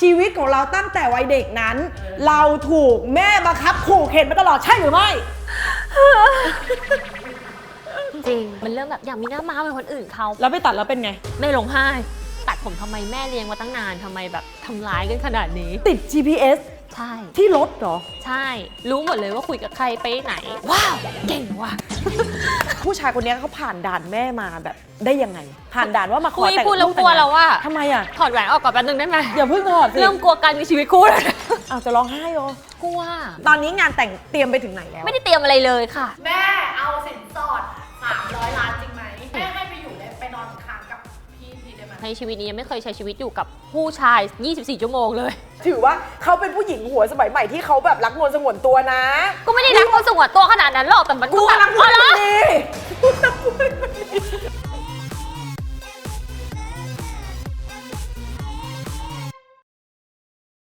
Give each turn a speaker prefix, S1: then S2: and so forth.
S1: ชีวิตของเราตั้งแต่วัยเด็กนั้น เราถูกแม่บังคับขู่เข็นมาตลอดใช่หรือไม่
S2: จริงมันเริ่มแบบอยากมีหน้าม้าเหมือนคนอื่นเขา
S1: แล้วไปตัดแล้วเป็นไง
S2: แม่ร้องไห้ตัดผมทำไมแม่เลี้ยงมาตั้งนานทำไมแบบทำร้ายกันขนาดนี้
S1: ติด GPS
S2: ใช่
S1: ที่รถเหรอ
S2: ใช่รู้หมดเลยว่าคุยกับใครไปไหนว้าวเก่งว่ะ
S1: ผู้ชายคนนี้เขาผ่านด่านแม่มาแบบได้ยังไง ผ่านด่านว่ามาขอ
S2: คุย
S1: แต่ง
S2: พูดแล้ว
S1: ลู
S2: กลัวแล้วว่า
S1: ทำไมอ่ะ
S2: ถอดแหวนออกก่อนแป๊บนึงได้ไหม
S1: อย่าเพิ่งถอดสิ
S2: เริ่มกลัวการมีชีวิตคู่แล้ว
S1: อ้าวจะร้องไห้เหรอก
S2: ลัว
S1: ตอนนี้งานแต่งเตรียมไปถึงไหนแล้ว
S2: ไม่ได้เตรียมอะไรเลยค่ะ
S3: แม่เอาสินสอด300 ล้านจริงไหมแม่ให้ไปอยู่ได้ไปนอนค้างกับพี่ได้ไหม
S2: ในชีวิตนี้ยังไม่เคยใช้ชีวิตอยู่กับผู้ชาย 24 ชั่วโมงเลย
S1: ถือว่าเขาเป็นผู้หญิงหัวสมัยใหม่ที่เขาแบบรักนวลสงวนตัวนะ
S2: ก็ไม่ได้รักคนสงวนตัวขนาดนั้นหรอกแต่มัน
S1: กู
S2: ก็แบบ
S1: รักนวล
S2: อ๋อเหรอ
S1: ดี